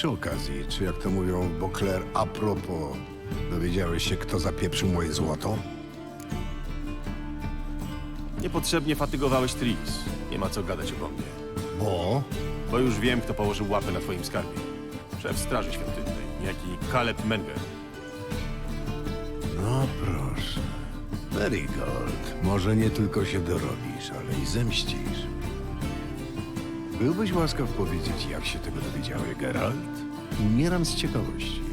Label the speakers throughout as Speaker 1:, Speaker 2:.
Speaker 1: Przy okazji, czy jak to mówią w Beauclair, a propos, dowiedziałeś się, kto zapieprzył moje złoto?
Speaker 2: Niepotrzebnie fatygowałeś Tris. Nie ma co gadać obok mnie.
Speaker 1: Bo?
Speaker 2: Bo już wiem, kto położył łapę na twoim skarbie. Szef Straży Świątynnej, niejaki Caleb Menger.
Speaker 1: No proszę. Marigold, może nie tylko się dorobisz, ale i zemścisz. Byłbyś łaskaw powiedzieć, jak się tego dowiedziałeś, Geralt? Umieram z ciekawości.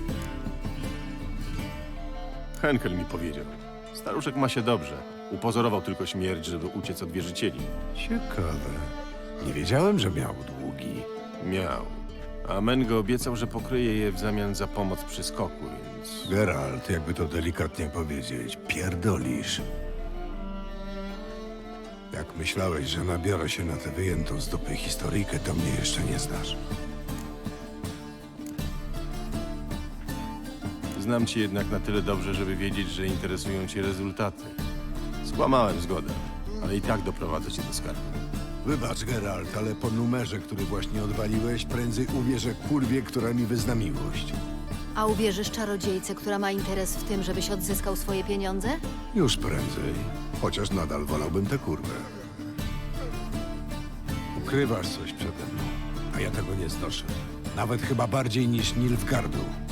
Speaker 2: Henkel mi powiedział. Staruszek ma się dobrze. Upozorował tylko śmierć, żeby uciec od wierzycieli.
Speaker 1: Ciekawe. Nie wiedziałem, że miał długi.
Speaker 2: Miał. A Menge obiecał, że pokryje je w zamian za pomoc przy skoku, więc...
Speaker 1: Geralt, jakby to delikatnie powiedzieć, pierdolisz. Jak myślałeś, że nabiorę się na tę wyjętą z dupy historyjkę, to mnie jeszcze nie znasz.
Speaker 2: Znam cię jednak na tyle dobrze, żeby wiedzieć, że interesują cię rezultaty. Skłamałem zgodę, ale i tak doprowadzę cię do skarbu.
Speaker 1: Wybacz, Geralt, ale po numerze, który właśnie odwaliłeś, prędzej uwierzę kurwie, która mi wyzna miłość.
Speaker 3: A uwierzysz czarodziejce, która ma interes w tym, żebyś odzyskał swoje pieniądze?
Speaker 1: Już prędzej. Chociaż nadal wolałbym tę kurwę. Ukrywasz coś przede mną, a ja tego nie znoszę. Nawet chyba bardziej niż Nilfgaardu.